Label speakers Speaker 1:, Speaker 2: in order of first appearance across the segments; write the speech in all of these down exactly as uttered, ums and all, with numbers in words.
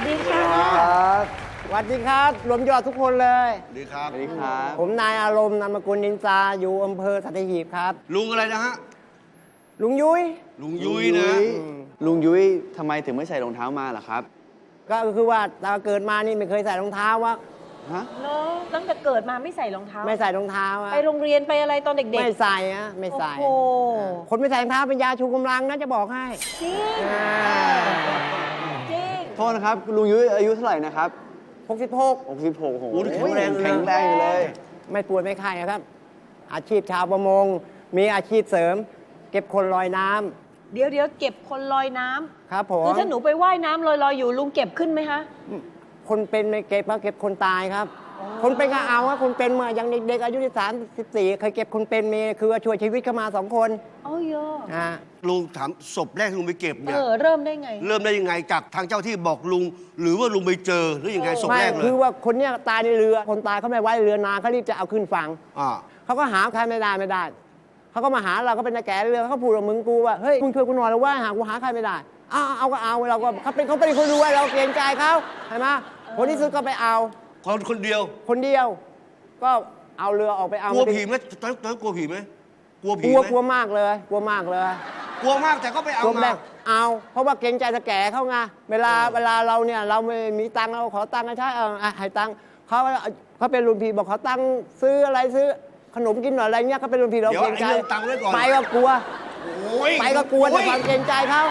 Speaker 1: ดีค่ะ
Speaker 2: สวัสดีครับรวมยอดทุกคนเลย
Speaker 3: สวัสดีครับ
Speaker 4: สวัสดีครับ
Speaker 2: ผมนายอารมณ์นามสกุลนินจาอยู่อำเภอสัตหีบครับ
Speaker 3: ลุงอะไรนะฮะ
Speaker 2: ลุงยุ้ย
Speaker 3: ลุงยุ้ยนะ
Speaker 4: ลุงยุ้ยทำไมถึงไม่ใส่รองเท้ามาล่ะครับ
Speaker 2: ก็คือว่าตอนเกิดมานี่ไม่เคยใส่รองเท้าวะ
Speaker 4: ฮะ
Speaker 1: เนอะตั้งแต่เกิดมาไม่ใส่รองเท้า
Speaker 2: ไม่ใส่รองเท้าอะ
Speaker 1: ไปโรงเรียนไปอะไรตอนเด็กๆ
Speaker 2: ไม่ใส่อะไม่ใส่
Speaker 1: โอ้โห
Speaker 2: คนไม่ใส่รองเท้าเป็นยาชูกำลังนะจะบอกให้
Speaker 1: จริง
Speaker 2: อ่า
Speaker 1: จริง
Speaker 4: โทษนะครับ ลุงยุ้ยอายุเท่าไหร่นะครับ
Speaker 2: หกสิบหก
Speaker 4: หกสิบหกโอ้โห
Speaker 3: โอ้โหแข็งแรงเลยนะ
Speaker 4: แข็งแรงอยู่เลย
Speaker 2: ไม่ป่วยไม่ไข้นะครับ อาชีพชาวประมง มีอาชีพเสริม เก็บคนลอยน้ำ
Speaker 1: เดี๋ยวเดี๋ยวเก็บคนลอยน้ำ
Speaker 2: ครับผม
Speaker 1: คือถ้าหนูไปว่ายน้ำลอยๆอยู่ลุงเก็บขึ้นไหมคะ
Speaker 2: คนเป็นไม่เก็บเพราะเก็บคนตายครับ คนเป็นก็เอาว่าคนเป็นเมื่อยังเด็กๆอายุที่สามสิบสี่เคยเก็บคนเป็นมีคือว่าช่วยชีวิตเข้ามาสองคน
Speaker 1: เอ้ยเยอะ
Speaker 2: อ่า
Speaker 3: ลุงถามศพแรกที่ลุงไปเก็บ
Speaker 1: เอ
Speaker 3: เนี่ย
Speaker 1: อเริ่มได้ไง
Speaker 3: เริ่มได้ยังไงจากทางเจ้าที่บอกลุง หรือว่าลุงไปเจอหรือยังไงศพ
Speaker 2: ไม่
Speaker 3: แรกเลย
Speaker 2: คือว่าคนเนี้ยตายในเรือ คนตายเขาไม่ไว้เรือนานเขารีบจะเอาขึ้นฝั่ง
Speaker 3: อ่า
Speaker 2: เขาก็หาใครไม่ได้ไม่ได้เขาก็มาหาเราก็เป็นนาแก่เรือเขาพูดกับมึงกูว่าเฮ้ยมึงช่วยกูหน่อยแล้วว่าหากูหาใครไม่ได้เอาเอาก็เอาเราก็เขาเป็นเขาเป็นคนรวยเราเกรงใจเขาใช่ไหมคนที่ซื้อก็ไปเอา
Speaker 3: คนคนเดียว
Speaker 2: คนเดียว ก็เอาเรือออกไปเอา
Speaker 3: กลัวผีไหมตอนนั้นตอนนั้นกลัวผีไหมกลัว
Speaker 2: ก
Speaker 3: ผี
Speaker 2: ลัว
Speaker 3: ไหม
Speaker 2: กลัวมากเลยกลัวมากเลย
Speaker 3: กลัวมากแต่ก็ไปเอา
Speaker 2: รวมแร
Speaker 3: มา
Speaker 2: กเอา เพราะว่าเกรงใจตะแก่เขาไงเวลาเวลาเราเนี่ยเราไม่มีตังค์เราขอตังค์ให้ใช้เอออ่ะให้ตังค์เขาเขาเป็นรุ่นพี่บอกขอตังค์ซื้ออะไรซื้อขนมกินหน่อยอะไรเงี้ยเขาเป็นรุ่นพี่เรา
Speaker 3: เดี๋ยว
Speaker 2: เกรง
Speaker 3: ไอ้
Speaker 2: ใจ
Speaker 3: เรื่องตังค์ไว้ก่อน
Speaker 2: ไปก็กลัว
Speaker 3: โอ้ย
Speaker 2: ไปก็กลัวแต่
Speaker 3: โอ้ย
Speaker 2: ความเกรงใจเขา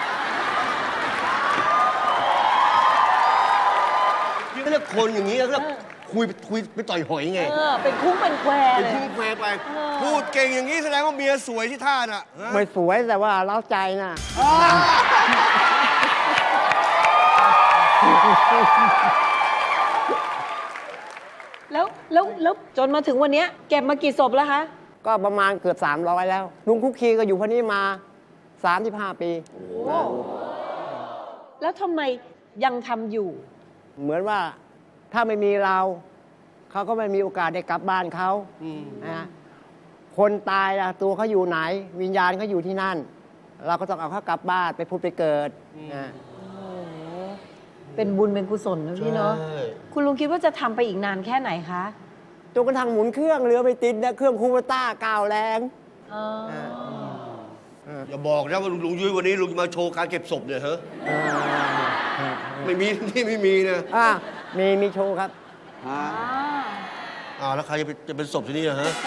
Speaker 3: นี่เรียกคนอย่างนี้เรียกคุยคุยไปต่อยหอยไง
Speaker 1: เออเป็นคุ้งเป็นแคว
Speaker 3: เป็น
Speaker 1: เลย
Speaker 3: พูดแปลไป
Speaker 1: เออ
Speaker 3: พูดเก่งอย่างนี้แสดงว่าเมียสวยที่ท่าน่ะฮะ
Speaker 2: ไม่สวยแต่ว่าเล้าใจนะ
Speaker 1: แล้วแล้วแล้วจนมาถึงวันเนี้ยเก็บมากี่ศพแล้วคะ
Speaker 2: ก็ประมาณเกือบสามร้อยแล้วลุงคุกคีก็อยู่พวกนี้มาสามสิบห้าปี
Speaker 1: แล้วทำไมยังทำอยู่
Speaker 2: เหมือนว่าถ้าไม่มีเรา เขาก็ไม่มีโอกาสได้กลับบ้านเขา
Speaker 3: อืม
Speaker 2: นะฮะคนตายล่ะตัวเขาอยู่ไหน วิญญาณเขาอยู่ที่นั่น เราก็ต้องเอาเขากลับบ้านไปพุทธไปเกิดนะ
Speaker 1: เป็นบุญเป็นกุศลนะพี่เนาะ
Speaker 3: ใช่
Speaker 1: คุณลุงคิดว่าจะทำไปอีกนานแค่ไหนคะ
Speaker 2: จนกระทั่งหมุนเครื่องเรือไปติดนะเครื่องคูเปต้าก้าวแรง
Speaker 1: เออ
Speaker 3: อย่าบอกนะว่าลุงยุ้ยวันนี้ลุงจะมาโชว์การเก็บศพเนี่ยเหรอไม่มี ที่ไม่มีนะ
Speaker 2: อ่ามีมีโชว์ครับ
Speaker 4: ฮะ
Speaker 3: อ้าวแล้วใครจะเป็นจะเป็นศพที่นี่อะฮะ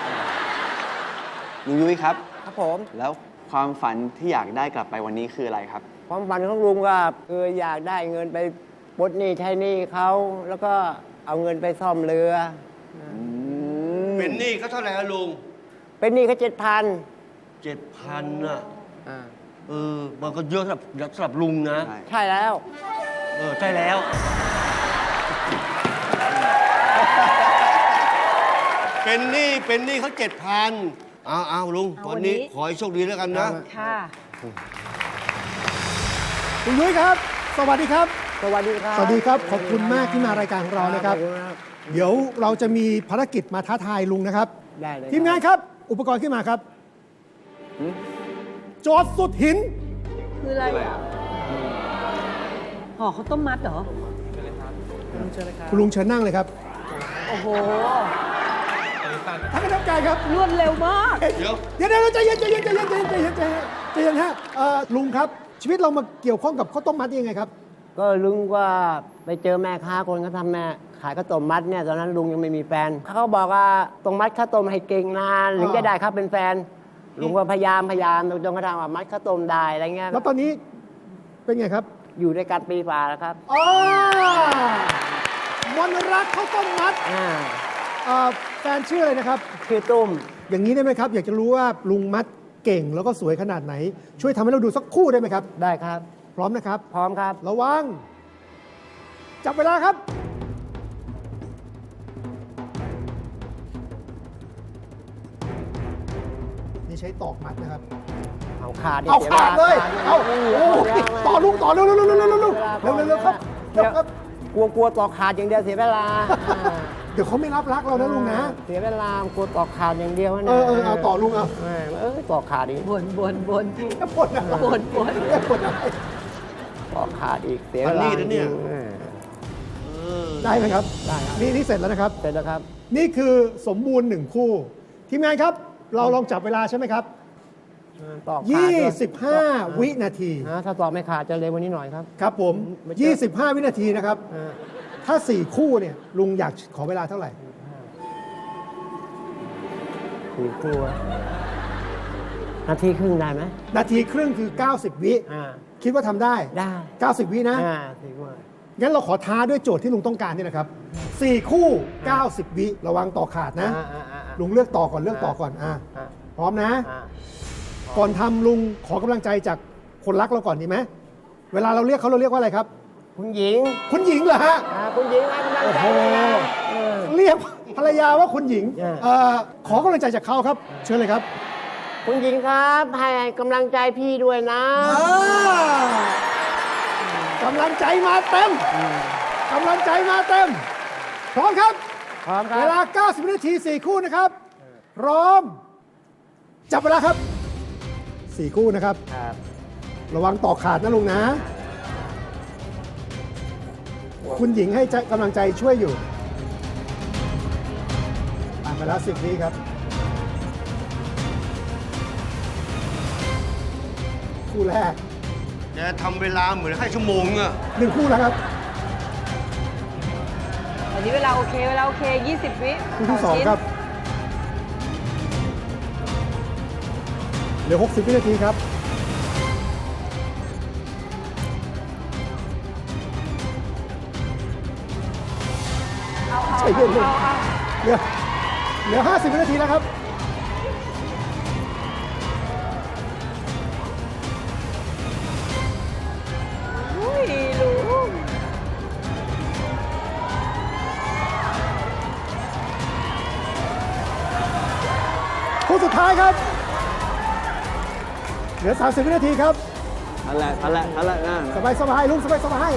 Speaker 4: ลุงยุ้ยครับ
Speaker 2: ครับผม
Speaker 4: แล้วความฝันที่อยากได้กลับไปวันนี้คืออะไรครับ
Speaker 2: ความฝันของลุงก็คืออยากได้เงินไปปลดหนี้ใช้หนี้เขาแล้วก็เอาเงินไปซ่อมเรือ
Speaker 3: เป็นหนี้เขาเท่าไหร่อะลุง
Speaker 2: เป็นหนี้เขาเจ็ดพัน
Speaker 3: เจ็ดพันอะเออมันก็เยอะสำหรับสำหรับลุงนะ
Speaker 4: ใช่
Speaker 2: ใช่แล้ว
Speaker 3: เออใช่แล้ว เป็นหนี้เป็นหนี้เขาเจ็ดพันเอาเอาลุง
Speaker 1: เอาวั
Speaker 3: วัน
Speaker 1: นนี้
Speaker 3: นี้ขอให้โชคดีแล้วกันนะ
Speaker 1: ค่ะ
Speaker 5: คุณยุ้ยครับ สวัสดีครับ
Speaker 2: สวัสดีครับ
Speaker 5: สวัสดีครับ ขอบคุณมากที่มารายการของเรานะครับ
Speaker 2: ขอณมาก
Speaker 5: เดี๋ยวเราจะมีภารกิจมาท้าทายลุงนะครับ
Speaker 2: ได้เลย
Speaker 5: ทีมงานครับ อุปกรณ์ขึ้นมาครับ โจทย์สุดหิน
Speaker 1: คืออะไรห่อข้าวต้มมัดเหรอ
Speaker 5: คุณลุงเชิญนั่งเลยครับ
Speaker 1: โอ้โห
Speaker 5: ท่านคณะกรรมการครับ
Speaker 1: รวดเร็วมาก
Speaker 3: เดี๋ยว
Speaker 5: เดี๋ยวเดี๋ยวใจเย็นใจเย็นใจเย็นใจเย็นใจเย็นใจเย็นใจเย็นฮะเอ่อลุงครับ ชีวิตเรามาเกี่ยวข้องกับข้าวต้มมัดได้ยังไงครับ
Speaker 2: ก็ลุงว่าไปเจอแม่ค้าคนเขาทำแม่ขายข้าวต้มมัดเนี่ยตอนนั้นลุงยังไม่มีแฟนเขาบอกว่าต้องมัดข้าวต้มให้เก่งนานถึงจะได้ครับเป็นแฟน ลุงก็พยายามพยายามจนกระทั่งว่ามัดข้าวต้มได้อะไรเงี้ย
Speaker 5: แล้วตอนนี้เป็นไงครับ
Speaker 2: อยู่ด้วยกันปีฝ่าแล้วครับ
Speaker 5: อ๋อมนรักข้าวต้มมัด
Speaker 2: อ่า
Speaker 5: เอ่อแฟนชื่ออะไรนะครับ
Speaker 2: คือตุ้ม
Speaker 5: อย่างนี้ได้ไหมครับ อยากจะรู้ว่าลุงมัดเก่งแล้วก็สวยขนาดไหน ช่วยทำให้เราดูสักคู่ได้ไหมครับ
Speaker 2: ได้ครับ
Speaker 5: พร้อมนะครับ
Speaker 2: พร้อมครับ
Speaker 5: ระวัง จับเวลาครับ นี่ใช้ตอกมัดนะครับ
Speaker 2: เอาขาดดิ
Speaker 5: เอา
Speaker 2: สี
Speaker 5: ขาดเลย
Speaker 2: ขา
Speaker 5: เอา
Speaker 2: ไม่
Speaker 5: โอ้
Speaker 2: มี
Speaker 5: ยต่อลุงต่อเร็วเร็วเร็วเร็วเร็วเร็วเร็ว
Speaker 2: เวลา
Speaker 5: เร็วเร็วเร็วครับ
Speaker 2: เดี๋ยว
Speaker 5: ครับ
Speaker 2: กลัวกลัวต่อขาดอย่างเดียวเสียเวลา
Speaker 5: เดี๋ยวเขาไม่รับรักเรานะลุงนะ
Speaker 2: เสียเวลากลัวต่อขาดอย่างเดียวนะ
Speaker 5: เออเออเอาต่อลุงเอา
Speaker 2: เออเออต่อขาดอีก
Speaker 1: บนบนบน
Speaker 5: แค่ปวดอะไร
Speaker 1: บนบน
Speaker 5: แค่ปวดอะไร
Speaker 2: ต่อขาดอีกเสียเว
Speaker 3: อัน
Speaker 2: ลา
Speaker 3: นี้นะเนี่ย
Speaker 2: เออ
Speaker 5: ได้ไหมครับ
Speaker 2: ได้ครับ
Speaker 5: นี่นี่เสร็จแล้วนะครับ
Speaker 2: เสร็จแล้วครับ
Speaker 5: นี่คือสมบูรณ์หนึ่งคู่ ทีมงานครับ เราลองจับเวลาใช่ไหมครับ
Speaker 2: ตอกขาดด้วย
Speaker 5: ยี่สิบห้า วินาที
Speaker 2: นะถ้าตอกไม่ขาดจะเร็วกว่านี้หน่อยครับ
Speaker 5: ครับผม
Speaker 2: ไม่เจอ
Speaker 5: ยี่สิบห้า วินาทีนะครับ
Speaker 2: อ่า
Speaker 5: ถ้าสี่คู่เนี่ยลุงอยากขอเวลาเท่าไหร่
Speaker 2: สี่คู่นาทีครึ่งได้ไหม
Speaker 5: นาทีครึ่งคือ เก้าสิบ วิ
Speaker 2: อ่า
Speaker 5: คิดว่าทำได้
Speaker 2: ได้
Speaker 5: เก้าสิบ วินะ
Speaker 2: อ่าสี่คู่
Speaker 5: งั้นเราขอท้าด้วยโจทย์ที่ลุงต้องการนี่นะครับสี่คู่ เก้าสิบ วิระวังต่อขาดนะ
Speaker 2: อ่าอ่าอ่าอ่า
Speaker 5: ลุงเลือกต่อก่อนเลือกต่อก่อนอ่า
Speaker 2: อ่า
Speaker 5: พร้อมนะ
Speaker 2: อ่า
Speaker 5: ก่อนทำลุงขอกำลังใจจากคนรักเราก่อนดีไหมเวลาเราเรียกเขาเราเรียกว่าอะไรครับ
Speaker 2: คุณหญิง
Speaker 5: คุณหญิงเหรอฮะ
Speaker 2: อ่าคุณหญิงให้กำลังใจด้วยนะเออ
Speaker 5: เรียกภรรยาว่าคุณหญิง
Speaker 2: เออ
Speaker 5: เอ่อขอกำลังใจจากเขาครับ เชิญเลยครับ
Speaker 2: คุณหญิงครับให้กำลังใจพี่ด้วยนะ
Speaker 5: อ่ากำลังใจมาเต็มกำลังใจมาเต็ม พร้อมครับ
Speaker 2: พร้อมครั
Speaker 5: เว
Speaker 2: บ
Speaker 5: ลา เก้าสิบ วินาที สี่คู่นะครับ พร้อม จับเวลาครับ สี่คู่นะครับ
Speaker 2: ครับ
Speaker 5: ระวังต่อขาดนะลุงนะ คุณหญิงให้กำลังใจช่วยอยู่ผ่านไปแล้วสิบวิครับ คู่แรก
Speaker 3: แกทำเวลาเหมือนให้ชั่วโมงอะ
Speaker 5: หนึ่งคู่แล้วครับ
Speaker 1: วันนี้เวลาโอเค เวลาโอเค ยี่สิบ วิ
Speaker 5: คู่ที่สอง
Speaker 1: ชิ้น
Speaker 5: ครับ เหลือ หกสิบ วินาทีครับ
Speaker 1: เอาเอา
Speaker 5: ใจเย็นๆ
Speaker 1: เอาเอา
Speaker 5: เหลือเหลือ ห้าสิบ วินาทีแล้วครับ
Speaker 1: อุ้ยลุง
Speaker 5: คู่สุดท้ายครับ เหลือ สามสิบ วินาทีครับ
Speaker 4: นั่นแหละนั่นแหละนั่นแหละนั่น
Speaker 5: สบายสบายลุงสบายสบาย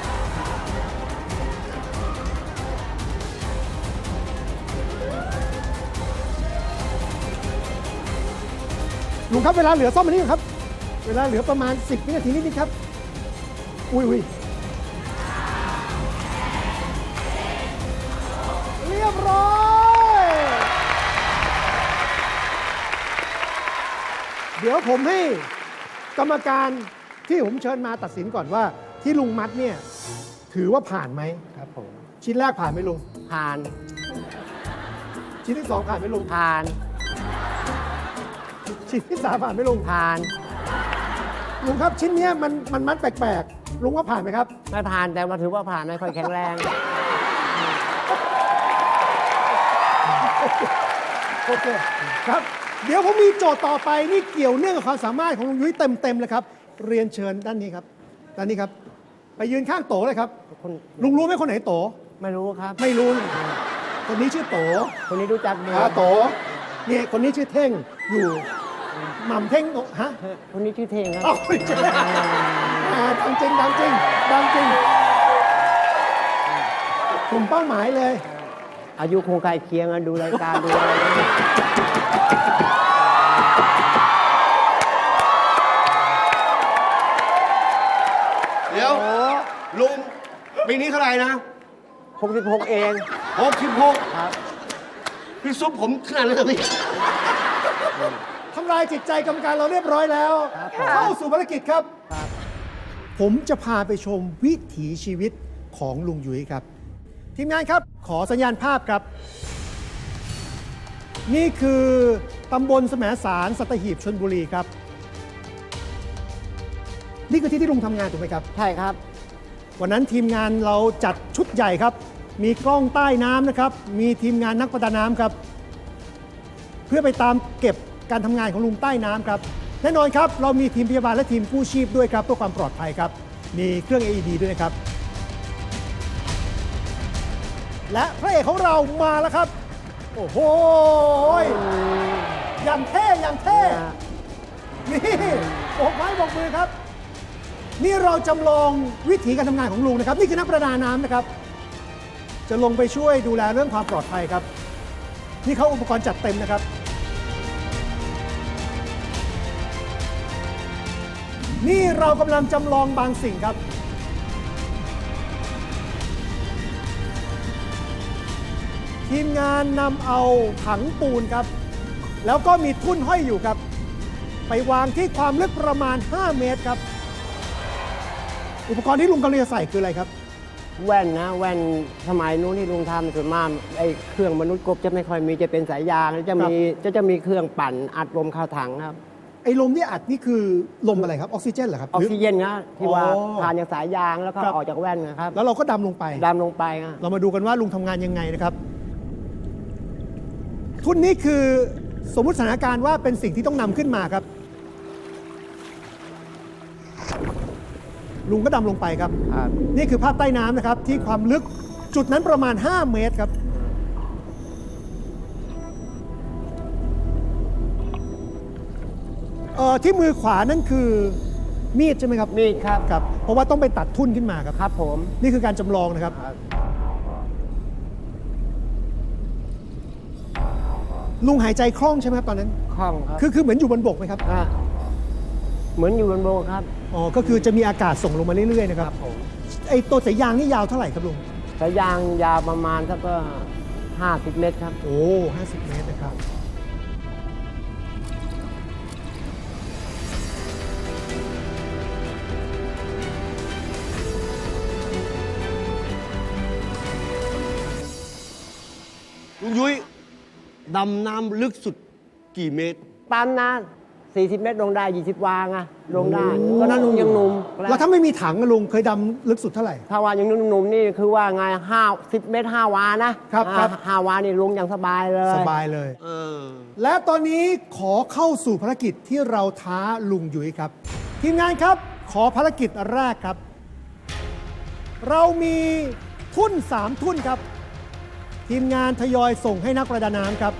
Speaker 5: ลุงครับเวลาเหลือซ่อมมานี่ครับ เวลาเหลือประมาณ สิบ วินาทีนิดๆครับ อุ้ยอุ้ยเรียบร้อย เดี๋ยวผมให้กรรมการที่ผมเชิญมาตัดสินก่อนว่าที่ลุงมัดเนี่ยถือว่าผ่านไหม
Speaker 2: ครับผม
Speaker 5: ชิ้นแรกผ่านไหมลุง
Speaker 2: ผ่าน
Speaker 5: ชิ้นที่สองผ่านไหมลุง
Speaker 2: ผ่าน
Speaker 5: ชิ้นที่สามผ่านไหมลุง
Speaker 2: ผ่าน
Speaker 5: ลุงครับชิ้นเนี้ยมันมันมัดแปลกๆลุงว่าผ่านไหมครับ
Speaker 2: ไม่ผ่านแต่ว่าถือว่าผ่านไม่ค่อยแข็งแรง
Speaker 5: โอเคครับ เดี๋ยวผมมีโจทย์ต่อไปนี่เกี่ยวเนื่องกับความสามารถของลุงยุ้ยเต็มๆเลยครับ เรียนเชิญด้านนี้ครับด้านนี้ครับ ไปยืนข้างโตเลยครับ
Speaker 2: คน
Speaker 5: ลุงรู้ไหมคนไหนโต
Speaker 2: ไม่รู้ครับ
Speaker 5: ไม่รู้นี่คนนี้ชื่อโต
Speaker 2: คนนี้รู้จักดี
Speaker 5: อ่าโตเนี่ยคนนี้ชื่อเท่งอยู่หม่ำเท่งโตฮะ
Speaker 2: คนนี้ชื่อเทงค
Speaker 5: เอ้า
Speaker 2: รับ
Speaker 5: ไม่ใช่อ่าดังจริงดังจริงดังจริงกลุ่มเป้าหมายเลย
Speaker 2: อายุคงใกล้เคียงกันดูรายการดูอะไร
Speaker 3: เดี๋ยวลุงปีนี้เท่าไหร่นะ
Speaker 2: หกสิบหกเอง
Speaker 3: หกสิบหก
Speaker 2: ครับ
Speaker 3: พี่ซุปผมขนาดนั้นเลยพี่
Speaker 5: ทำลายจิตใจกรรมการเราเรียบร้อยแล้ว
Speaker 2: ครับ
Speaker 5: เข้าสู่ภารกิจครับ
Speaker 2: ครับ
Speaker 5: ผมจะพาไปชมวิถีชีวิตของลุงยุ้ยครับ ทีมงานครับขอสัญญาณภาพครับ นี่คือตำบลแสมสารสัตหีบชลบุรีครับ นี่คือที่ที่ลุงทำงานถูกไหมครับ
Speaker 2: ใช่ครับ
Speaker 5: วันนั้นทีมงานเราจัดชุดใหญ่ครับ มีกล้องใต้น้ำนะครับ มีทีมงานนักประดาน้ำครับ เพื่อไปตามเก็บการทำงานของลุงใต้น้ำครับ แน่นอนครับเรามีทีมพยาบาลและทีมกู้ชีพด้วยครับเพื่อความปลอดภัยครับ มีเครื่อง เอ อี ดี ด้วยนะครับ และพระเอกของเรามาแล้วครับ โอ้โหอย่างเท่อย่างเท่ นี่โบกไม้โบกมือครับ นี่เราจำลองวิถีการทำงานของลุงนะครับ นี่คือนักประดาน้ำนะครับ จะลงไปช่วยดูแลเรื่องความปลอดภัยครับ นี่เขาอุปกรณ์จัดเต็มนะครับ นี่เรากำลังจำลองบางสิ่งครับทีมงานนำเอาถังปูนครับ แล้วก็มีทุ่นห้อยอยู่ครับ ไปวางที่ความลึกประมาณ ห้า เมตรครับ อุปกรณ์ที่ลุงกำลังจะใส่คืออะไรครับ
Speaker 2: แว่นนะแว่นสมัยนู้นที่ลุงทำส่วนมากไอ้เครื่องมนุษย์กบจะไม่ค่อยมีจะเป็นสายยางแล้วจะมีจะจะมีเครื่องปั่นอัดลมเข้าถังครับ
Speaker 5: ไอ้ลมที่อัดนี่คือลมอะไรครับ ออกซิเจนเหรอครับ
Speaker 2: ออกซิเจนนะที่ว่า
Speaker 5: อ๋อ
Speaker 2: ผ่านจากสายยางแล้วก็
Speaker 5: ครับ
Speaker 2: ออกจากแว่นนะครับ
Speaker 5: แล้วเราก็ดำลงไป
Speaker 2: ดำลงไปครับ
Speaker 5: เรามาดูกันว่าลุงทำงานยังไงนะครับ ทุ่นนี้คือสมมุติสถานการณ์ว่าเป็นสิ่งที่ต้องนำขึ้นมาครับ ลุงก็ดำลงไปครับ
Speaker 2: ครับ
Speaker 5: นี่คือภาพใต้น้ำนะครับ ที่ความลึกจุดนั้นประมาณ ห้า เมตรครับ เอ่อที่มือขวานั่นคือมีดใช่ไหมครับ
Speaker 2: มีดครับ
Speaker 5: ครับ เพราะว่าต้องไปตัดทุ่นขึ้นมาครับ
Speaker 2: ครับผม
Speaker 5: นี่คือการจำลองนะครับ ลุงหายใจคล่องใช่ไหมครับตอนนั้น
Speaker 2: คล่องครับ
Speaker 5: คือคือเหมือนอยู่บนบกไหมครับ
Speaker 2: อ่ะเหมือนอยู่บนโบกครับ
Speaker 5: อ๋อ ก็คือจะมีอากาศส่งลงมาเรื่อยๆนะครับ
Speaker 2: ผม
Speaker 5: ไอ้ตัวสายยางนี่ยาวเท่าไหร่ครับลุง
Speaker 2: สายยางยาวประมาณสักก็ห้าสิบเมตรครับ
Speaker 5: โอ้ห้าสิบเมตรนะครับ
Speaker 3: ลุงยุ้ยดำน้ำลึกสุดกี่เมตร
Speaker 2: ปั๊มนะสี่สิบเมตรลงได้ยี่สิบวางอะลงได้ตอนนั้นลุงยังหนุ่ม
Speaker 5: แล้วถ้าไม่มีถังอะลุงเคยดำลึกสุดเท่าไหร่
Speaker 2: ถ้าว่ายังหนุ่มๆนี่คือว่าไงห้าสิบเมตรห้าวานะครับ
Speaker 5: ครับ
Speaker 2: อ่าห้าวานี่ลงอย่างสบายเลย
Speaker 5: สบายเลย
Speaker 3: เออ
Speaker 5: และตอนนี้ขอเข้าสู่ภารกิจที่เราท้าลุงยุ้ยครับ ทีมงานครับ ขอภารกิจแรกครับ เรามีทุ่นสามทุ่นครับ ทีมงานทยอยส่งให้นักประดาน้ำครับ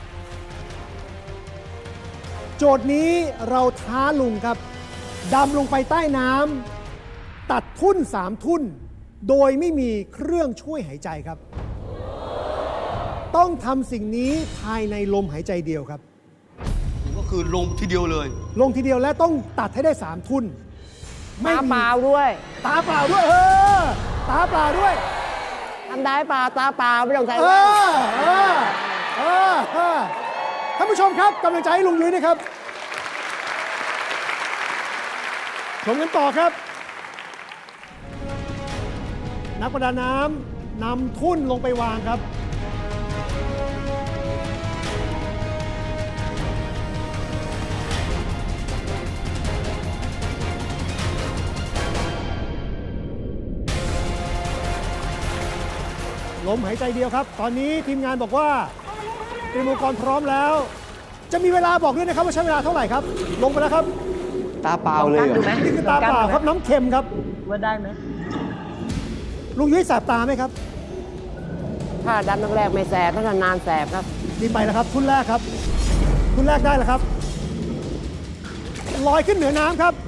Speaker 5: โจทย์นี้เราท้าลุงครับดำลงไปใต้น้ำตัดทุ่นสามทุ่น โดยไม่มีเครื่องช่วยหายใจครับ ต้องทำสิ่งนี้ภายในลมหายใจเดียวครับ
Speaker 3: ก็คือลงทีเดียวเลย
Speaker 5: ลงทีเดียวและต้องตัดให้ได้สามทุ่น
Speaker 2: ตาเปล่าด้วย
Speaker 5: ตาเปล่าด้วยเออตาเปล่าด้วย
Speaker 2: ทำได้เปล่าตาเปล่าไม่ต้องใส่
Speaker 5: เอ
Speaker 2: แว่น
Speaker 5: อเออเออเออท่านผู้ชมครับกำลังใจให้ลุงยุ้ยนะครับชมกันต่อครับ นักประดาน้ำนำทุ่นลงไปวางครับ ลมหายใจเดียวครับ ตอนนี้ทีมงานบอกว่าเตรียมอุปกรณ์พร้อมแล้ว จะมีเวลาบอกด้วยนะครับว่าใช้เวลาเท่าไหร่ครับ ลงไปแล้วครับ
Speaker 4: ตาเปล่าเลยเหรอ
Speaker 5: นี่คือตาเปล่าครับน้ำเค็มครับ
Speaker 1: ว่าได้ไหม
Speaker 5: ลุงยุ้ยแสบตาไหมครับ
Speaker 2: ถ้าดำแรกๆไม่แสบถ้านานๆแสบครับ
Speaker 5: นี่ไปแล้วครับ ทุนแรกครับ ทุนแรกได้แล้วครับ ลอยขึ้นเหนือน้ำครับ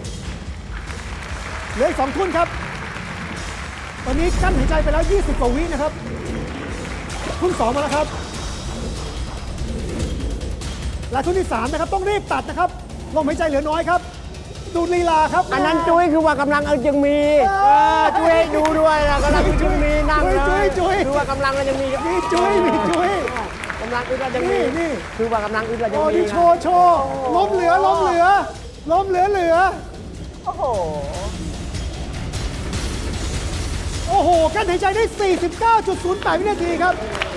Speaker 5: เหลืออีกสองทุนครับ ตอนนี้กั้นหายใจไปแล้ว ยี่สิบ กว่าวินะครับ ทุนสองมาแล้วครับ และทุนที่สามนะครับต้องรีบตัดนะครับลมหายใจเหลือน้อยครับ ดูลีลาครับ
Speaker 2: อันนั้นจุ้ยคือว่ากำลังเอายังมี
Speaker 5: เออ
Speaker 2: เออจุ้ยให้ดูด้วยนะกำลังยังมีนั่งเลย
Speaker 5: จุ้ยจุ้ย
Speaker 2: คือว่ากำลังเรายังมี
Speaker 5: มีจุ้ยมีจุ้ย
Speaker 2: กำลังอึดเรายังมี
Speaker 5: นี่นี่
Speaker 2: คือว่ากำลังอึดเรายัง
Speaker 5: โอ้
Speaker 2: มี
Speaker 5: นี่โชว์โชว์ล้มเหลือล้มเหลือล้มเหลือเหลือ
Speaker 1: โอ้โห
Speaker 5: โอ้โหกั้นหายใจได้ สี่สิบเก้าจุดศูนย์แปด วินาทีครับ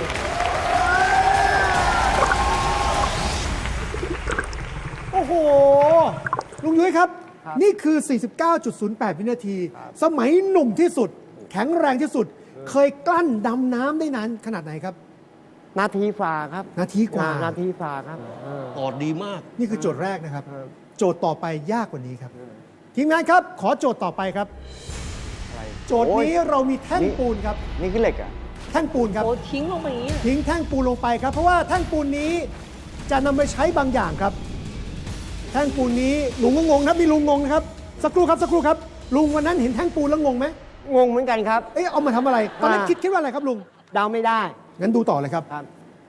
Speaker 5: โอ้โห ลุงยุ้ยครับ นี่คือ สี่สิบเก้าจุดศูนย์แปด วินาที สมัยหนุ่มที่สุด แข็งแรงที่สุด เคยกลั้นดำน้ำได้นานขนาดไหนครับ
Speaker 2: นาทีฝ่าครับ
Speaker 5: นาทีกว่า
Speaker 2: นาทีฝ่าครับเออ
Speaker 3: ตอดดีมาก
Speaker 5: นี่คือโจทย์แรกนะครับ
Speaker 2: ครับ
Speaker 5: โจทย์ต่อไปยากกว่านี้ครับ ทีมงานครับ ขอโจทย์ต่อไปครับ โจทย์นี้เรามีแท่งปูนครับ
Speaker 4: นี่คือเหล็กอ่ะ
Speaker 5: แท่งปูนครับ
Speaker 1: โอ้ทิ้งลงไปอย่างนี้
Speaker 5: ทิ้งแท่งปูนลงไปครับ เพราะว่าแท่งปูนนี้จะนำไปใช้บางอย่างครับ แท่งปูนนี้ลุงก็งงครับมีลุงงงนะครับสักครู่ครับสักครู่ครับลุงวันนั้นเห็นแท่งปูนแล้วงงไหม
Speaker 2: งงเหมือนกันครับ
Speaker 5: เอ๊ะเอามาทำอะไรตอนนั้น
Speaker 2: อ่า
Speaker 5: คิดคิดว่าอะไรครับลุง
Speaker 2: เดาไม่ได้
Speaker 5: งั้นดูต่อเลยครับ
Speaker 2: ครับ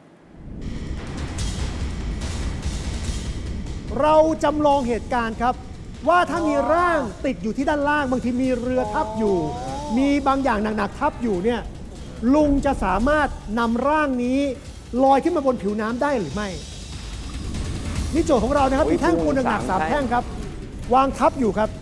Speaker 5: เราจำลองเหตุการณ์ครับ ว่าถ้ามีร่างติดอยู่ที่ด้านล่าง บางทีมีเรือทับอยู่ มีบางอย่างหนักๆทับอยู่เนี่ยลุงจะสามารถนำร่างนี้ลอยขึ้นมาบนผิวน้ำได้หรือไม่ นี่โจทย์ของเรานะครับ
Speaker 4: โอ้ย
Speaker 5: มีแท่งปูนหนักๆสาม
Speaker 4: สามแท่
Speaker 5: แท่ง
Speaker 4: ง
Speaker 5: ครับ วางทับอยู่ครับ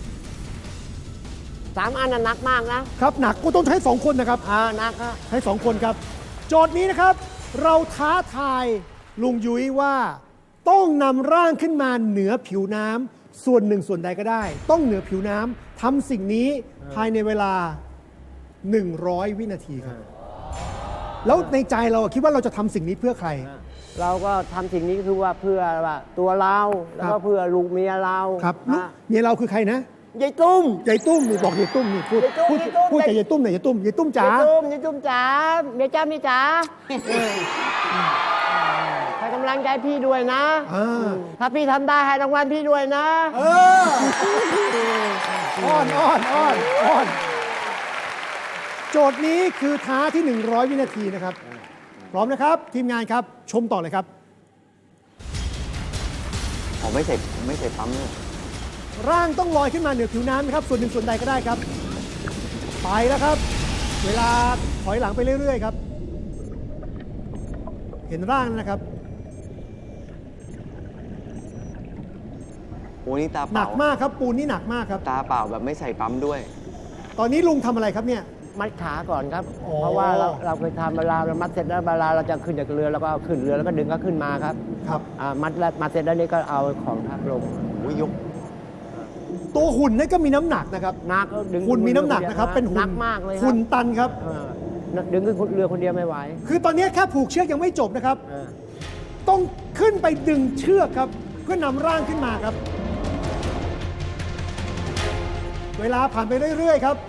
Speaker 2: สามอันน่ะหนักมากนะครับ
Speaker 5: หนักก็ต้องใช้สองคนนะครับ
Speaker 2: อ่าหนักครับ
Speaker 5: ใช้สองคนครับ โจทย์นี้นะครับ เราท้าทายลุงยุ้ยว่าต้องนำร่างขึ้นมาเหนือผิวน้ำส่วนหนึ่งส่วนใดก็ได้ ต้องเหนือผิวน้ำทำสิ่งนี้ภายในเวลา หนึ่งร้อย วินาทีครับ แล้วในใจเราคิดว่าเราจะทำสิ่งนี้เพื่อใคร
Speaker 2: เราก็ทำสิ่งนี้คือว่าเพื่อว่าตัวเราแล้วก็เพื่อลูกเมียเรา
Speaker 5: ครับลูก
Speaker 2: นะ
Speaker 5: เมียเราคือใครนะ
Speaker 2: ยายตุ้ม
Speaker 5: ยายตุ้มนี่บอกยายตุ้มนี่พูด
Speaker 2: ยายตุ้ม
Speaker 5: พูด
Speaker 2: ยายตุ้ม
Speaker 5: พูดกับยายตุ้มหน่อยยายตุ้มยายตุ้มจ๋าย
Speaker 2: ายตุ้มยายตุ้มจ๋าเมียจ้าเมียจ๋าให้กำลังใจพี่ด้วยนะ
Speaker 5: อ่า
Speaker 2: ถ้าพี่ทำได้ให้รางวัลพี่ด้วยนะ
Speaker 5: เอออ้อนอ้อนอ้อนอ้อนโจทย์นี้คือท้าที่ หนึ่งร้อย วินาทีนะครับ พร้อมนะครับ ทีมงานครับชมต่อเลยครับ
Speaker 4: ผมไม่เสร็จผมไม่เสร็จปั๊มเลย
Speaker 5: ร่างต้องลอยขึ้นมาเหนือผิวน้ำนะครับ ส่วนหนึ่งส่วนใดก็ได้ครับ ไปแล้วครับ เวลาถอยหลังไปเรื่อยๆครับ เห็นร่างนะครับ
Speaker 4: โอ้นี่ตา
Speaker 5: ห
Speaker 4: เป
Speaker 5: นั
Speaker 4: ล่าก
Speaker 5: มากครับปูนนี่หนักมากครับ
Speaker 4: ตาเปล่าแบบไม่ใส่ปั๊มด้วย
Speaker 5: ตอนนี้ลุงทำอะไรครับเนี่ย
Speaker 2: มัดขาก่อนครับ
Speaker 5: อ๋อ
Speaker 2: เพราะว่าเราเราเคยทำเวลาเรามัดเสร็จแล้วเวลาเราจะขึ้นจากเรือแล้วก็ขึ้นเรือแล้วก็ดึงก็ขึ้นมาครับ
Speaker 5: ครับ
Speaker 2: อ่ามัดแล้วมัดเสร็จแล้วนี่ก็เอาของทับลง
Speaker 4: โอ้ยยก
Speaker 5: ตัวหุ่นนี่ก็มีน้ำหนักนะครับ
Speaker 2: นักดึง
Speaker 5: หุ่นมีน้ำหนักนะครับ เป็นหุ่
Speaker 2: หนั
Speaker 5: น
Speaker 2: กมากเลยครับ
Speaker 5: หุ่นตันครับ
Speaker 2: เออดึงขึ้นเรือคนเดียวไม่ไหว
Speaker 5: คือตอนนี้แค่ผูกเชือกยังไม่จบนะครับ
Speaker 2: เออ
Speaker 5: ต้องขึ้นไปดึงเชือกครับ เพื่อนำร่างขึ้นมาครับ เวลาผ่านไปเรื่อยๆครับ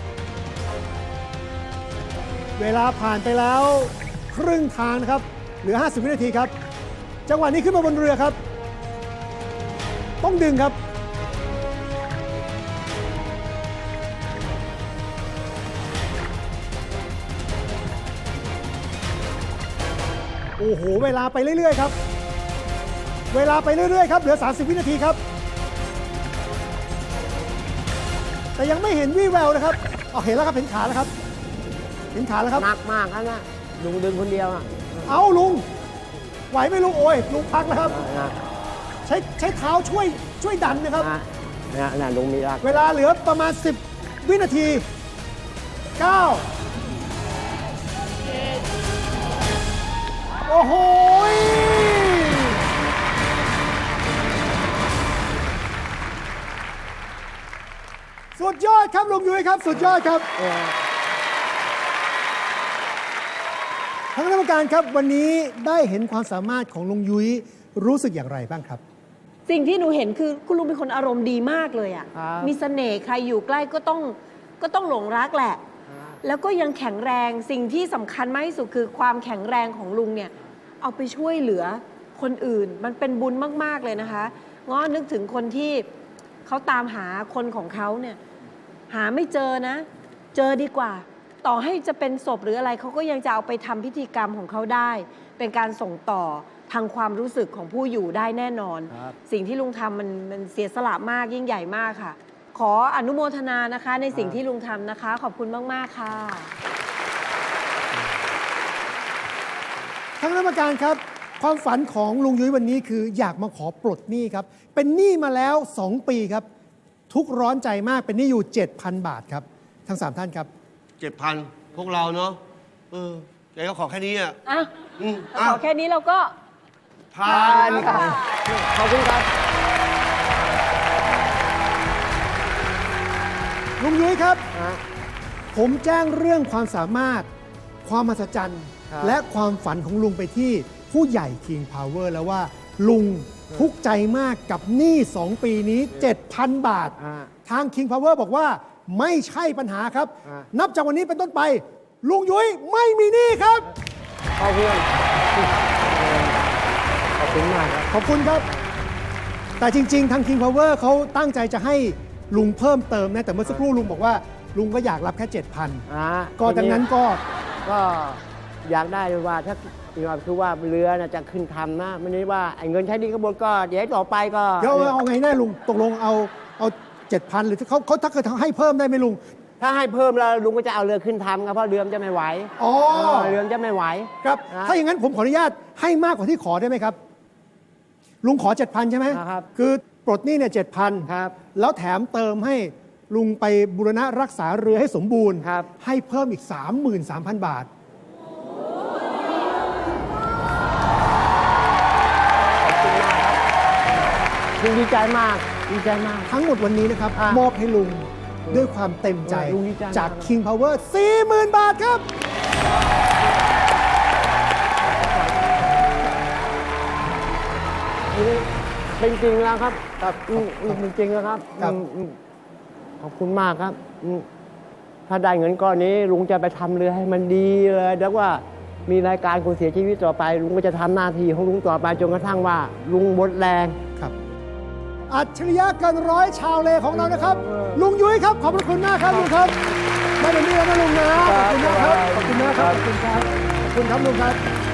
Speaker 5: เวลาผ่านไปแล้วครึ่งทางนะครับ เหลือ ห้าสิบ วินาทีครับ จังหวะนี้ขึ้นมาบนเรือครับ ต้องดึงครับ โอ้โห เวลาไปเรื่อยๆครับ เวลาไปเรื่อยๆครับ เหลือ สามสิบ วินาทีครับ แต่ยังไม่เห็นวี่แววนะครับเอาเห็นแล้วครับ เห็นขาแล้วครับ เห็นขาแล้วครับ
Speaker 2: หนักมากครับนะลุงดึงคนเดียวอ่ะ
Speaker 5: เอาลุง ไหวไหมลุง โอ้ย ลุงพักแล้วครับ
Speaker 2: เออนะ
Speaker 5: ใช้ใช้เท้าช่วยช่วยดันนะครับ
Speaker 2: นะนะนะลุงมีรัก
Speaker 5: เวลาเหลือประมาณ สิบ วินาที เก้า โอ้โหยสุดยอดครับลุงยุ้ยครับ สุดยอดครับ
Speaker 2: เออ
Speaker 5: ทางคณะกรรมการครับวันนี้ได้เห็นความสามารถของลุงยุ้ยรู้สึกอย่างไรบ้างครับ
Speaker 1: สิ่งที่หนูเห็นคือคุณลุงเป็นคนอารมณ์ดีมากเลยอะ
Speaker 2: ครับ
Speaker 1: มีเสน่ห์ใครอยู่ใกล้ก็ต้องก็ต้องหลงรักแหละ แล้วก็ยังแข็งแรงสิ่งที่สำคัญมากที่สุดคือความแข็งแรงของลุงเนี่ยเอาไปช่วยเหลือคนอื่น มันเป็นบุญมากๆเลยนะคะง้อนึกถึงคนที่เขาตามหาคนของเขาเนี่ยหาไม่เจอนะ เจอดีกว่า ต่อให้จะเป็นศพหรืออะไรเขาก็ยังจะเอาไปทำพิธีกรรมของเขาได้ เป็นการส่งต่อทางความรู้สึกของผู้อยู่ได้แน่นอน
Speaker 2: ครับ
Speaker 1: สิ่งที่ลุงทำมันมันเสียสละมากยิ่งใหญ่มากค่ะ ขออนุโมทนานะคะ ในสิ่งที่ลุงทำนะคะ ขอบคุณมาก ๆ ค่ะ
Speaker 5: ทางคณะกรรมการครับ ความฝันของลุงยุ้ยวันนี้คืออยากมาขอปลดหนี้ครับ เป็นหนี้มาแล้ว สอง ปีครับ ทุกข์ร้อนใจมากเป็นหนี้อยู่ เจ็ดพัน บาทครับ ทั้งสามท่านครับ
Speaker 3: เจ็ดพันพวกเราเนาะเออแกก็ขอแค่นี้อ่ะ
Speaker 1: อ่ะ
Speaker 3: อืม
Speaker 1: ขอแค่นี้เราก็
Speaker 3: ผ่านครับ
Speaker 2: ขอบคุณครับ
Speaker 5: ลุงยุ้ยครับ
Speaker 2: ฮะ
Speaker 5: ผมแจ้งเรื่องความสามารถ ความมหัศจรรย์
Speaker 2: ครับ
Speaker 5: และความฝันของลุงไปที่ผู้ใหญ่ King Power แล้วว่าลุงทุกข์ใจมากกับหนี้สองปีนี้ เจ็ดพัน บาท
Speaker 2: อ่า
Speaker 5: ทาง King Power บอกว่าไม่ใช่ปัญหาครับ
Speaker 2: อ่า
Speaker 5: นับจากวันนี้เป็นต้นไป ลุงยุ้ยไม่มีหนี้ครับ
Speaker 2: ขอบคุณขอบคุณมากครับ
Speaker 5: ขอบคุณครับ แต่จริง ๆ ทาง King Power เขาตั้งใจจะให้ลุงเพิ่มเติมนะ แต่เมื่อสักครู่ลุงบอกว่าลุงก็อยากรับแค่ เจ็ดพัน
Speaker 2: อ่า
Speaker 5: ก็ดังนั้นก็
Speaker 2: ก็อยากได้ว่าถ้าคือว่าเรือน่ะจะขึ้นทำนะไม่ได้ว่าไอ้เงินใช้หนี้กระบวนก็เดี๋ยวต่อไปก็
Speaker 5: เดี๋ยวเอาเอาไงแน่ลุง ตกลงเอาเอาเจ็ดพันหรือเขาเขาถ้าเกิดให้เพิ่มได้ไหมลุง
Speaker 2: ถ้าให้เพิ่มแล้วลุงก็จะเอาเรือขึ้นทำครับเพราะเรือมันจะไม่ไหว
Speaker 5: อ๋อ
Speaker 2: เออเรือมันจะไม่ไหว
Speaker 5: ครับ
Speaker 2: นะ
Speaker 5: ถ้าอย่างนั้นผมขออนุญาตให้มากกว่าที่ขอได้ไหมครับ ลุงขอ เจ็ดพัน ใช่ไหม
Speaker 2: ครับ
Speaker 5: คือปลดหนี้เนี่ยเจ็ดพัน
Speaker 2: ครับ
Speaker 5: แล้วแถมเติมให้ลุงไปบูรณะรักษาเรือให้สมบูรณ์
Speaker 2: ครับ
Speaker 5: ให้เพิ่มอีก สามหมื่นสามพัน บาท
Speaker 2: ลุงดีใจมากดีใจมาก
Speaker 5: ทั้งหมดวันนี้นะครับ
Speaker 2: อ่ะ
Speaker 5: มอบให้ลุงด้วยความเต็มใจ
Speaker 2: เออลุงดีใจมาก
Speaker 5: จาก King Power สี่หมื่น บาทครับ
Speaker 2: นี่เป็นจริงแล้วครับครับอืมอืมเป็นจริงแล้วครับ
Speaker 5: ครับ
Speaker 2: อืมอืมขอบคุณมากครับอืมถ้าได้เงินก้อนนี้ลุงจะไปทำเรือให้มันดีเลยแล้วว่ามีรายการคนเสียชีวิตต่อไป ลุงก็จะทำหน้าที่ของลุงต่อไปจนกระทั่งว่า ลุงหมดแรง
Speaker 5: ครับ อัจฉริยะเกินร้อยชาวเลของเรานะครับ
Speaker 2: เออ
Speaker 5: ลุงยุ้ยครับ ขอบพระคุณมากครับลุงครับได้เป็นนี่แล้วนะลุงนะขอบคุณนะครับ ขอบคุณนะครับ ขอบคุณครับ ขอบคุณครับลุงครับ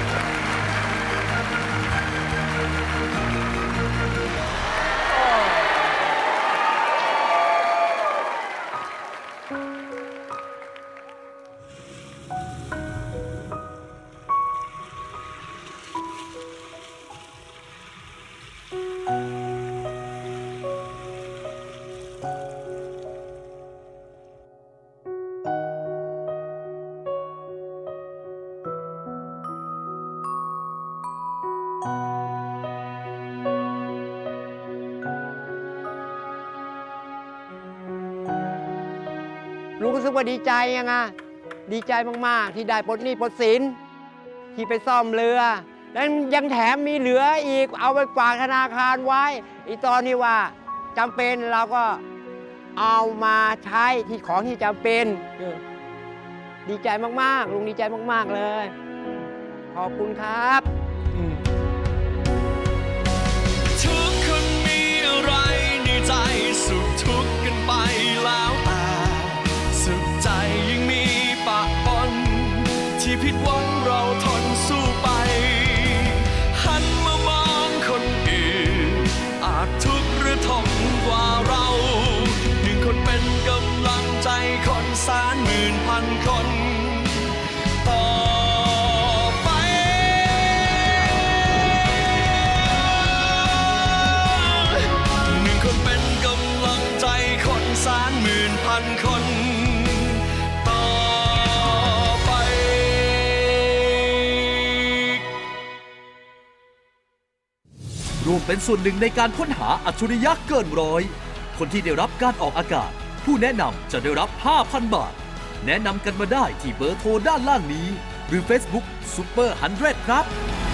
Speaker 2: ลุงรู้สึกว่าดีใจยังไงดีใจมาก ๆ ที่ได้ปลดหนี้ปลดสินที่ไปซ่อมเรือ แล้วยังแถมมีเหลืออีกเอาไปฝากธนาคารไว้อีตอนที่ว่าจำเป็นเราก็เอามาใช้ที่ของที่จำเป็นเออดีใจมาก ๆ ลุงดีใจมาก ๆ เลย ขอบคุณครับอืม
Speaker 6: ทุกคนมีอะไรในใจสุขทุกข์กันไปแล้วแต่สุขใจยังมีปะปนที่ผิดหวังเราทนสู้ไป หันมามองคนอื่นอาจทุกข์หรือทนกว่าเราหนึ่งคนเป็นกำลังใจคนแสนหมื่นพันคนต่อไป หนึ่งคนเป็นกำลังใจคนแสนหมื่นพันคนต่อไป
Speaker 7: ร่วมเป็นส่วนหนึ่งในการค้นหาอัจฉริยะเกินร้อย คนที่ได้รับการออกอากาศ ผู้แนะนำจะได้รับ ห้าพัน บาท แนะนำกันมาได้ที่เบอร์โทรด้านล่างนี้ หรือ Facebook Super หนึ่งร้อย ครับ